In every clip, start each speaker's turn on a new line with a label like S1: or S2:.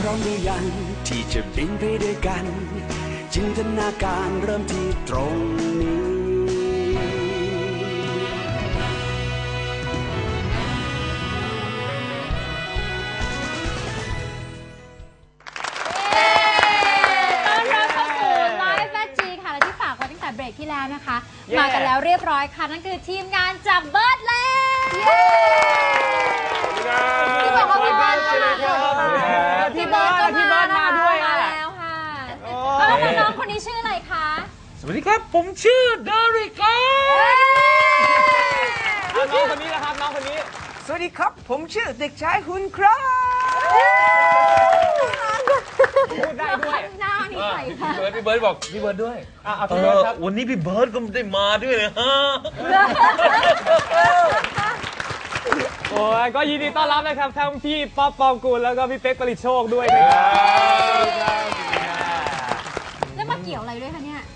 S1: ร้อมหรือยังที่จะบินไปด้วยกันจินตนาการเริ่มที่ตรงนี้
S2: เบรกที่แล้วนะคะมากันแล้วเรียบร้อยค่ะนั่นคือทีมงานจากเบิร์ดแลนด์ที่บอกว่าพี่เบิร์ดพี่เบิร์ดมาด้วยแล้วค่ะแล้วน้องคนนี้ชื่ออะไรคะ
S3: สวัสดีครับผมชื่อเดริกน้องคนนี้นะครับน้องคนนี้
S4: สวัสดีครับผมชื่อเด็กชายหุ่นครับ
S3: พูดได้ด้วย
S2: หน้านี่ใส่ค่ะ
S3: พี่เบิร์ดบอกพี่เบิร์ดด้วยวันนี้พี่เบิร์ดก็ได้มาด้วยเลยฮะโอ้ยก็ยินดีต้อนรับนะครับทั้งพี่ป๊อปปองกูลแล้วก็พี่เป๊กผลิตโชคด้วยนะครับ
S2: แล้วมาเกี่ยวอะไรด้วยคะเนี่ย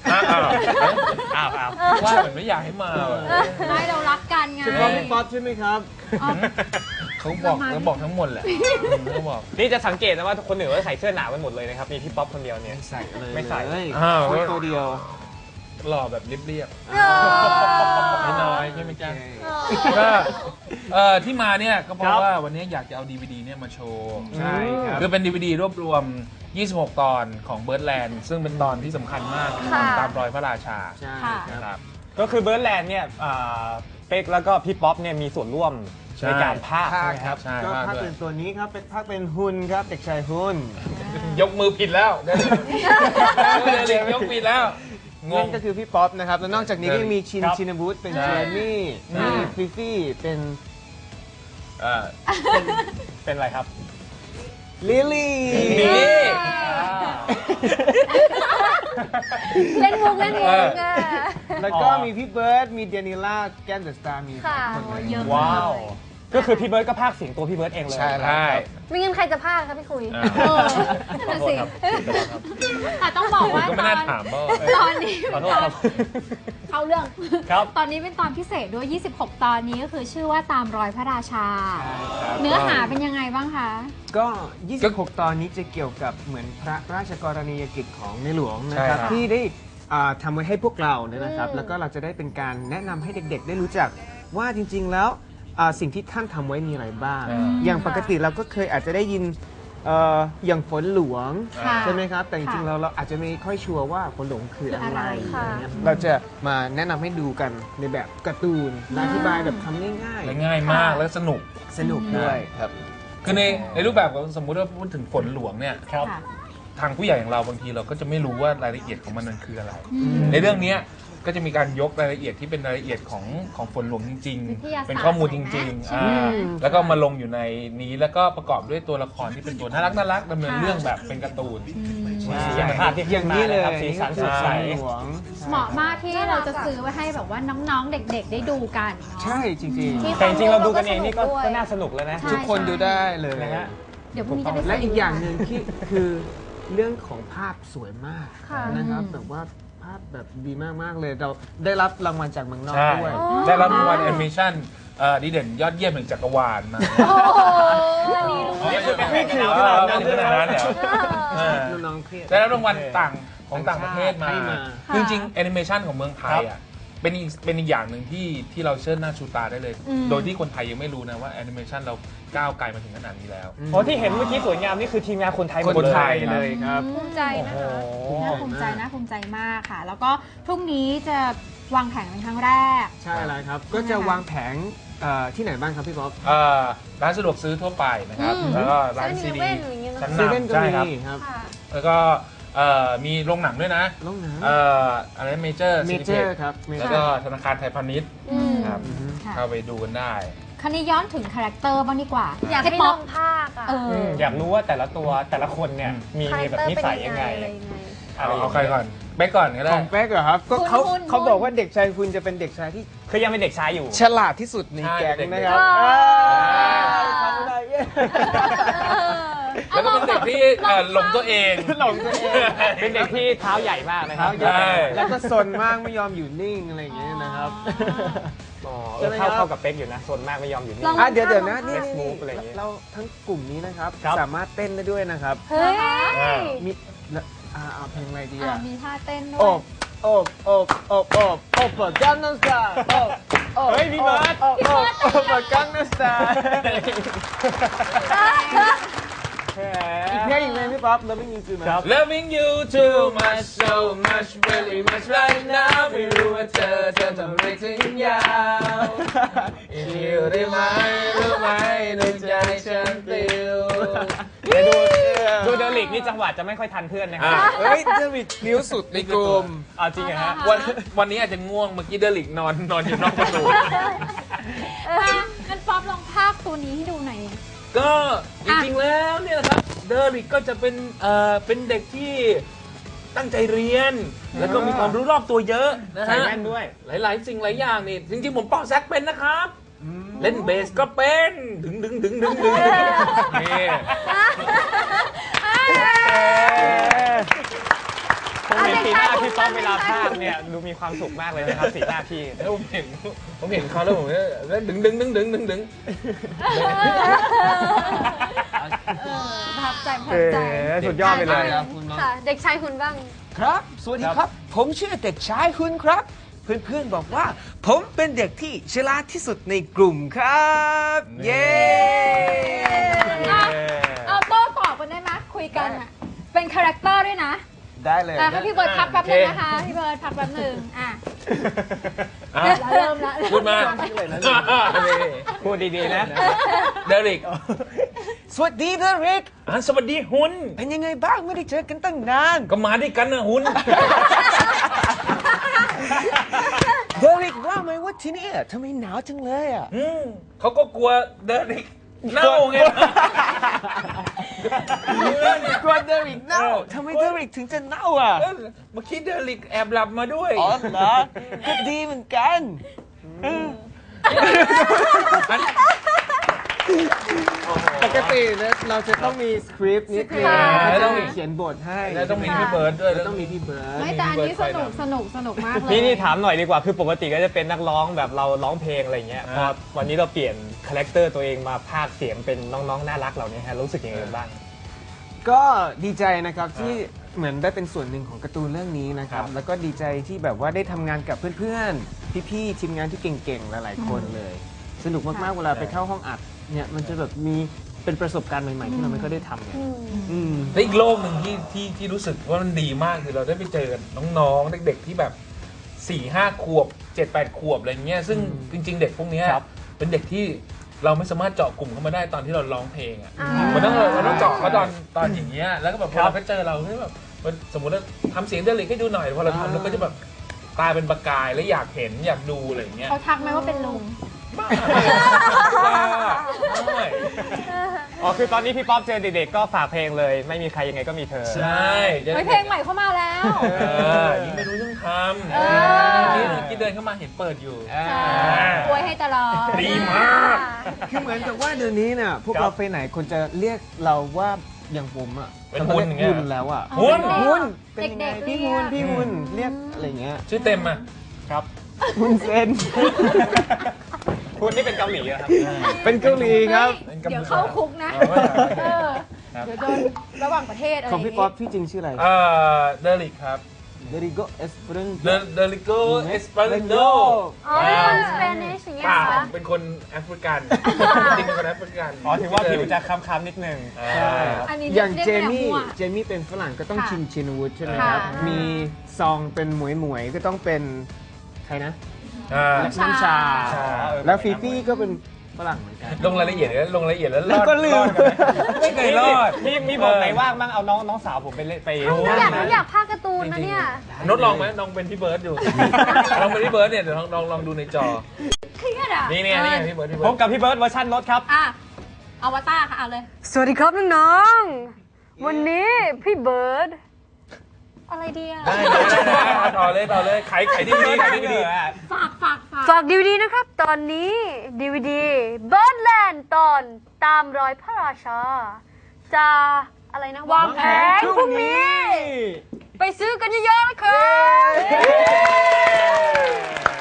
S3: ว่าเหมือนไม่อยากให้มา
S2: ไม่เรารักกันไง
S4: เฉพาะพี่ป๊อปใช่ไหมครับ
S3: เขาบอกทั้งหมดแหละเขาบอกนี่จะสังเกตนะว่าคนอื่นก็ใส่เสื้อหนาวกันหมดเลยนะครับมีพี่ป๊อปคนเดียวเนี่ยไม่ใส่
S4: ตัวเดียว
S3: หล่อแบบเรียบๆน้อยใช่ไหมจ๊ะก็ที่มาเนี่ยก็เพราะว่าวันนี้อยากจะเอา DVD เนี่ยมาโชว์
S4: ใช่ครับ
S3: คือเป็น DVD รวบรวม26 ตอนของเบิร์ดแลนด์ซึ่งเป็นตอนที่สำคัญมากตามรอยพระราชา
S4: ใช่
S3: ครับก็คือเบิร์ดแลนด์เนี่ยเป๊กแล้วก็พี่ป๊อปเนี่ยมีส่วนร่วมในการพากย์
S4: ครับก็พากย์เป็นตัวนี้ครับเป็นพากย์เป็นหุ่นครับเด็กชายหุ่น
S3: ยกมือผิดแล้วเด็กยกผิดแล้ว
S4: นั่นก็คือพี่ป๊อปนะครับแล้วนอกจากนี้ก็มีชินบูธเป็นเจมี่มีฟิฟี่
S3: เป็นอะไรครับ
S4: ลิลลี่
S2: เล่นมุก
S4: แล้วก็มีพี่เบิร์ดมีเดนิล่าแกนเดอะสตาร์มี
S2: คนเยอะ
S3: ว้าวก็คือพี่เบิร์ดก็พากย์เสียงตัวพี่เบิร์ดเองเลย
S4: ใช่
S2: ไม่งั้นใครจะพากย์ครับพี่คุยนั่นสิแต่ต้องบอกว่าตอนนี้เข้าเรื่องตอนนี้เป็นตอนพิเศษด้วย26 ตอนนี้ก็คือชื่อว่าตามรอยพระราชาเนื้อหาเป็นยังไงบ้างคะ
S4: ก็26 ตอนนี้จะเกี่ยวกับเหมือนพระราชกรณียกิจของในหลวงนะครับที่ได้ทำไว้ให้พวกเราเนี่ยนะครับแล้วก็เราจะได้เป็นการแนะนำให้เด็กๆได้รู้จักว่าจริงๆแล้วสิ่งที่ท่านทำไว้มีอะไรบ้างอย่างปกติเราก็เคยอาจจะได้ยินอย่างฝนหลวงใช่ไหมครับแต่จริงๆเราอาจจะไม่ค่อยชัวร์ว่าฝนหลวงคืออะไรเราจะมาแนะนำให้ดูกันในแบบการ์ตูนอธิบายแบบทำง่าย
S3: มากและสนุก
S4: ด้วยครับ
S3: คือในรูปแบบของสมมุติว่าพูดถึงฝนหลวงเนี่ยทางผู้ใหญ่อย่างเราบางทีเราก็จะไม่รู้ว่ารายละเอียดของมันคืออะไรในเรื่องนี้ก็จะมีการยกรายละเอียดที่เป็นรายละเอียดของฝนหลวงจริงๆเป็นข้อมูลจริงๆแล้วก็มาลงอยู่ในนี้แล้วก็ประกอบด้วยตัวละครที่เป็นตัวน่ารักดำเนินเรื่องแบบเป็นการ์ตูน
S4: อย่างนี้เลย
S3: สีสันสดใส
S2: เหมาะมากที่เราจะซื้อไว้ให้แบบว่าน้องๆเด็กๆได้ดูกัน
S4: ใช่จริง
S3: ๆแต่จริงๆเราดูกันเองนี่ก็น่าสนุกแล้วนะ
S4: ทุกคนดูได้เลยนะฮะ
S2: เดี๋ยวพรุ่งนี้จะไป
S4: และอีกอย่างหนึ่งที่คือเรื่องของภาพสวยมากนะครับแบบว่าภาพแบบดีมากๆเลยเราได้รับรางวัลจากเมืองนอกด้วย
S3: ได้รับรางวัลแอนิเมชั่นดีเด่นยอดเยี่ยมแห่งจักรวาลมา
S4: ไม่ถึงขนาดนั้น
S3: เนี่ยได้รับรางวัลของต่างประเทศมาจริงๆแอนิเมชันของเมืองไทยอ่ะเป็นอีกอย่างหนึ่งที่เราเชิดหน้าชูตาได้เลยโดยที่คนไทยยังไม่รู้นะว่าแอนิเมชันเราก้าวไกลมาถึงขนาดนี้แล้วเพราะที่เห็นเมื่อกี้สวยงามนี่คือทีมงานคนไทย
S4: เลยครับ
S2: ภูมิใจนะคะน่าภูมิใจมากค่ะแล้วก็พรุ่งนี้จะวางแผงเป็นครั้งแรก
S4: ใช่แล้วครับก็จะวางแผงที่ไหนบ้างครับพี่ป๊อป
S3: ร้านสะดวกซื้อทั่วไปนะครับแล้วก็ร้านซีดี
S4: ชั้นนำใช่ครับ
S3: แล้วก็มีโรงหนังด้วยนะอะไรเมเจอร์
S4: ครับ
S3: แล้วก็ธนาคารไทยพาณิชย์ครับเข้าไปดูกันได้
S2: คราวนี้ย้อนถึงคาแรคเตอร์บ้างดีกว่า
S5: อยากให้น้องภาค
S3: อยากรู้ว่าแต่ละตัวแต่ละคนเนี่ยมีแบบนิสัยยังไงเอาใครก่อนเป๊กก่อนก็ได้
S4: ของเป๊กเหรอครับก็เขาบอกว่าเด็กชายคุณจะเป็นเด็กชายที่
S3: คือยังเป็นเด็กชายอยู่
S4: ฉลาดที่สุดในแก๊งนะครับ
S3: แล้วก็เป็นเด็กที่หลงตัวเองเป็นเด็กที่เท้าใหญ่มากนะครับ
S4: แล้วก็ซนมากไม่ยอมอยู่นิ่งอะไรอย่างเงี้ยนะครับใช่ไหม
S5: เข้ากับเป๊กอยู่นะส่วนมากไม่ยอมอยู่นี่
S2: ลอง
S4: เดี๋ยวนะนี่
S5: Let's move อะไรอย่างงี้
S4: เราทั้งกลุ่มนี้นะครับ
S5: ครับ
S4: สามารถเต้นได้ด้วยนะครับ
S2: เฮ้ย
S4: มีเอาเพลงอะไรดี
S2: มีท่าเต้นด้ว
S4: โอย บโอบโอบโอบโอบโอบเปิดกังนัมสตาร์โอบโอบ
S5: เฮ้ยพี่เบิร์ด
S4: โอบโอบโอบเปิดกังนัมสตาร์อีกเพลงพี่ป๊อปเราไม่มีคือไหม
S3: Loving you too much so much very much right now ไม่รู้ว่าเธอทำอะไรถึงยาวอยู่ได้ไหมรู้ไหมในใจฉันปลิว
S5: ดูเดลิกนี่จังหวะจะไม่ค่อยทันเพื่อนนะค
S3: อ่ะ
S5: รับ
S4: เฮ้ยเดวิดนิ้วสุดในกลุ่ม
S5: เอาจริงเหรอฮะ
S3: วันนี้อาจจะง่วงเมื่อกี้เดลิกนอนอยู่นอกประตู
S2: งั้นป๊อปลองภาคตัวนี้ให้ดูหน่อย
S3: ก็จริงๆแล้วเนี่ยนะครับเดลิกก็จะเป็นเด็กที่ตั้งใจเรียน แล้วก็มีความรู้รอบตัวเยอะนะ
S5: ใส่
S3: ฮะ
S5: แว่นด้วย
S3: หลายๆสิ่งหลายอย่างนี่จริงๆผมเป่าแซกเป็นนะครับ เล่นเบสก็เป็นดึงนี่
S5: ผมเห็นสีหน้าพี่ป๊อปเวลาพากเนี่ยดูมีความสุขมากเลยนะครับสีหน้าพี่
S3: แล้วผมเห็นเขาแล้วผมเนี่ยเล่นดึง
S2: ประทับใจประทับใจ
S5: สุดยอดไปเลย
S2: ค่ะ เด็กชายคุณบ้าง
S6: ครับ สวัสดีครับ ผมชื่อเด็กชายคุณครับ เพื่อนๆบอกว่า ผมเป็นเด็กที่ฉลาดที่สุดในกลุ่มครับ เย้
S2: เอาโต้ตอบกันได้ไหมคุยกันอ่ะ เป็นคาแรคเตอร์ด้วยนะ
S6: ได้เลย
S2: ให้พี่เบิร์ดพักแป๊บนึงนะคะ พี่เบิร์ดพักแป๊บนึงอ่ะ
S3: อ่ะ
S2: เริ่มละ
S3: พูดมา
S5: พูดดีๆนะ
S3: เดลิก
S6: สวัสดีเดริก
S3: สวัสดีหุน
S6: เป็นยังไงบ้างไม่ได้เจอกันตั้งนาน
S3: ก็มาด้วยกันนะหุน
S6: เดริกว่าไหมว่าที่นี่ทำไมหนาวจังเลยอ่ะ
S3: เขาก็กลัวเดลิกเน่าไง
S6: กลัวเดริกเน่าทำไมเดริกถึงจะเน่าอ่ะ
S3: เมื่อกี้เดลิกแอบหลับมาด้วย
S6: อ๋อเหรอก็ดีเหมือนกัน
S4: ปกตินะเราจะต้องมีสคริปต์นิดนึง
S2: ค่ะ
S4: แล้วต้องมีเขียนบทให้
S3: แล้วต้องมีพี่เบิร์ดด้วย
S4: แล้วต้องมีพี่เบิร์ด
S2: ไม่แต่อันนี้สนุกมากเลย
S5: นี่ถามหน่อยดีกว่าคือปกติก็จะเป็นนักร้องแบบเราร้องเพลงอะไรเงี้ยพอวันนี้เราเปลี่ยนคาแรคเตอร์ตัวเองมาพากย์เสียงเป็นน้องๆน่ารักเหล่านี้ฮะรู้สึกยังไงบ้าง
S4: ก็ดีใจนะครับที่เหมือนได้เป็นส่วนหนึ่งของการ์ตูนเรื่องนี้นะครับ แล้วก็ดีใจที่แบบว่าได้ทำงานกับเพื่อนๆ พี่ๆ ทีมงานที่เก่งๆ หลายๆ คนเลย สนุกมากๆ เวลาไปเข้าห้องอัดเนี่ยมันจะแบบมีเป็นประสบการณ์ใหม่ๆ ที่เราไม่ค่อยได้ทำเนี่ยม
S3: และอีกโลกหนึ่งที่รู้สึกว่ามันดีมากคือเราได้ไปเจอน้องๆเด็กๆที่แบบ 4-5 ขวบ 7-8 ขวบอะไรเงี้ยซึ่งจริงๆ เด็กพวกเนี้ยเป็นเด็กที่เราไม่สามารถเจาะกลุ่มเข้ามาได้ตอนที่เราร้องเพลงอ่ะมันต้องเจาะเขาตอนอย่างเงี้ยแล้วก็แบบพอเราไปเจอเราแบบสมมติว่าทำเสียงเดลิกให้ดูหน่อยพอเราทำแล้วก็จะแบบตายเป็นประกายแล้วอยากเห็นอยากดูอะไรอย่างเงี้ย
S2: เขาทักไหมว่าเป็นลุง
S5: อ๋อคือตอนนี้พี่ป๊อปเจอเด็กๆก็ฝากเพลงเลยไม่มีใครยังไงก็มีเธอ
S3: ใช่
S2: เพลงใหม่เข้ามาแล้ว
S3: ยิ่งไม่รู้เรื่องทำ
S2: เออ
S3: เมื่อกี้เดินเข้ามาเห็นเปิดอยู่
S2: ใช่อวยให้ตลอด
S3: ดีมาก
S4: คือเหมือนกับว่าเดี๋ยวนี้เนี่ยพวกเราไปไหนคนจะเรียกเราว่าอย่างผมอ่ะ
S3: เป็นหุ่นอย่างเงี้ย
S4: หุ่นแล้วอ่ะ
S3: หุ่น
S4: หุ่นเป็นยังไง
S2: เด็กๆ
S4: พี่หุ่น
S2: เรียก
S4: พี่หุ่นเรียกอะไรเงี้ย
S3: ชื่อเต็มอ่ะ
S5: ครับ
S4: หุ่นเซน
S5: คุณนี่เป็นเกาหลีเหรอครับ
S4: เป็นเกาหลีครับ
S2: เดี๋ยวเข้าคุกนะเออเดี๋ยวโดนระหว่างประเทศอะไร
S4: ของพี่ป๊อปพี่จริงชื่ออะไร
S3: เดลิกครับ
S4: เดริโกเอสเปรน
S3: เดลิโกเอสปาริโด
S2: อ๋อเป็นคนสเปนิชอย่างเงี้ย
S3: ป่า
S2: เหรอ
S3: เป็นคนแอฟริกันจริงเป็นคนแอฟริกัน
S5: อ๋อถือว่าผิวจะคล้ำๆนิดนึง
S3: ใช่
S2: อันนี้
S4: อย่าง
S2: รีก
S4: เจ
S2: ได้แบบ
S4: มี่
S2: มั่ว
S4: เจมี่เป็นฝรั่งก็ต้อง
S2: ค่ะ
S4: ชินวุฒิใช่ไหม
S2: ค่ะ
S4: ครับ มีซองเป็นหมวยก็ต้องเป็นใครนะ
S2: น้ำชา
S4: แล้วฟีฟี่ก็เป็นฝรั่งเหมือนกัน
S3: ลงรายละเอียดแล้ว
S4: แล้วก็ลืม
S3: ไม่เคยรอด
S5: มีบทไหนว่างบ้างเอาน้องสาวผมไปเล่นไป
S2: หนูอยากพากย์การ์ตูนนะเนี่ย
S3: นดลองไหมลองเป็นพี่เบิร์ดอยู่ลองเป็นพี่เบิร์ดเนี่ยเดี๋ยวลองดูในจอ
S2: เครียดอ่ะ
S3: นี่พี่เบิร์ด
S5: พบกับพี่เบิร์ดเวอร์ชันรถครับ
S2: อ่ะอวตารค่ะเอาเลย
S7: สวัสดีครับน้องๆ วันนี้พี่เบิร์ด
S2: อะไรดีอ่ะ
S3: ได้ต่อเลยขายที่ดีขายที่ดี
S7: ฝากดีวดีนะครับ ตอนนี้ดีวดีเบิร์ดแลนด์ตอนตามรอยพระราชา จะอะไรนะวางแผนพรุ่งนี้ ไปซื้อกันเยอะๆนะครับ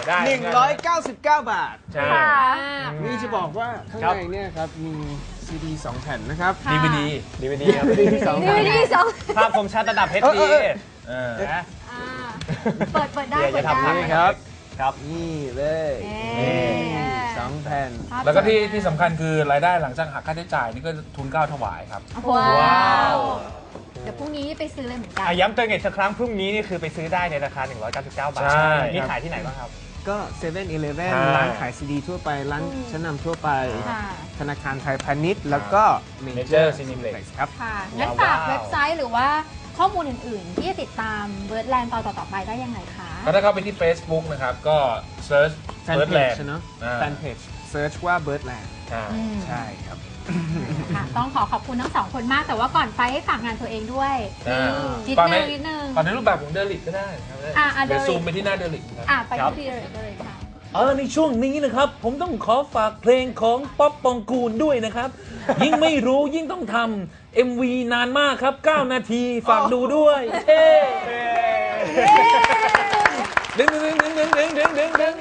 S3: ได้
S4: 199 บาท
S3: ใช่
S4: นี่จะบอกว่าข้างในเนี่ยครับมีซีดี2แผ่นนะครับ
S3: DVD
S5: ครับ
S4: DVD 2
S2: ดี
S4: แผ่น
S2: ดีสอง
S5: ภาพคมชัดระดับ HD นะ
S2: เปิดได้
S5: อย่า
S2: เปิด
S5: ทำ
S2: ได้
S5: ให้
S4: ครับ
S5: ครับ
S4: นี่เลย
S2: เอ๊ะ
S4: 2แผ่น
S3: แล้วก็ที่สำคัญคือรายได้หลังจากหักค่าใช้จ่ายนี่ก็ทุนเกล้าถวายครับ
S2: ว้าว เดี๋ยวพรุ่งนี้ไปซื้อเลยเหมือนกัน
S5: ย้ำเตือนอีกสักครั้งพรุ่งนี้นี่คือไปซื้อได้ในราคา 199 บาท
S3: ใช่
S5: มีขายที่ไหนบ้างครับ
S4: ก็7-Eleven
S3: ใช่
S4: ร้านขายซีดีทั่วไป ร้านชั้นนำทั่วไป
S2: ค่ะ
S4: ธนาคารไทยพาณิชย์ แล้วก็
S3: Major Cineplex
S4: ครับ
S2: ค่ะ งั้นฝากเว็บไซต์หรือว่าข้อมูลอื่นๆ ที่จะติดตามเบิร์ดแลนด์ต่อๆไปได้ยังไงคะ
S3: ก็ถ้าเข้าไปที่ Facebook นะครับ ก็ search
S4: แฟนเพจ
S3: Birdland
S4: เนอะ
S3: อ่า
S4: แฟนเพจเซิร์ชว่า Birdland
S3: ใช่
S4: ใช่ครับ
S2: ค่ะ ต้องขอบคุณทั้งสองคนมาก แต่ว่าก่อนไปให้ฝากงานตัวเองด้วย
S3: อ่า
S2: นิด
S3: ก่อน
S2: นึ
S3: ใน
S2: งนิดนึง
S3: ก่อนในรูปแบบของเดลิกก็ได้ครับ
S2: เด
S3: เดี๋ยว
S2: ลิ
S3: ซูมไปที่หน้าเดลิกครับ
S2: ไปที่เลยค่ะ
S8: ในช่วงนี้นะครับ ผมต้องขอฝากเพลงของป๊อปปองกูลด้วยนะครับ ยิ่งไม่รู้ยิ่งต้องทำ MV นานมากครับ 9 นาทีฝากดูด้วยเฮ้ดึงดึงดึงดึงดึงดึงดึงดึง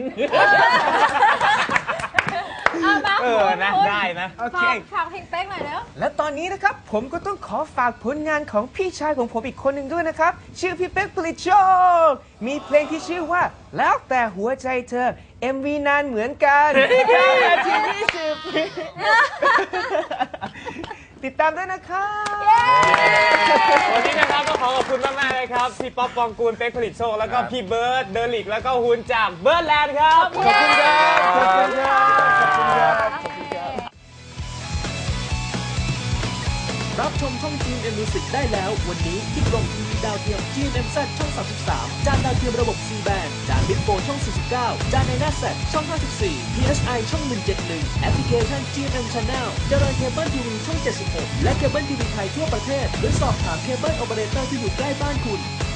S2: มา
S5: นะได้นะ
S4: โอเค
S2: ฝากเพลงเป๊กหน่อยแล้ว
S6: และตอนนี้นะครับผมก็ต้องขอฝากผลงานของพี่ชายของผมอีกคนหนึ่งด้วยนะครับ ชื่อพี่เป๊กผลิตโชค มีเพลงที่ชื่อว่าแล้วแต่หัวใจเธอ MV นานเหมือนกัน9 นาที 20 ติดตามด้วยนะครับ
S5: วันนี้นะครับก็ขอขอบคุณมากๆเลยครับพี่ป๊อปปองกูลเป๊กผลิตโชคแล้วก็พี่เบิร์ดเดลิกแล้วก็ฮุนจากเบิร์ดแลนด์ครับ
S4: ขอบคุณครับ ขอบคุณครับ ขอบคุณครับ
S8: รับชมช่อง GMM Music ได้แล้ววันนี้ที่กล่องทีวีดาวเทียม GMMZ ช่อง 33 จานดาวเทียมระบบ C band จาน Big 4ช่อง 49 จานในหน้าแซช่อง 54 PSI ช่อง 171 แอปพลิเคชัน GMM Channel เจริญเคเบิลทีวีช่อง 76 และเคเบิลทีวีไทยทั่วประเทศหรือสอบถามเคเบิลโอเปอเรเตอร์ที่อยู่ใกล้บ้านคุณ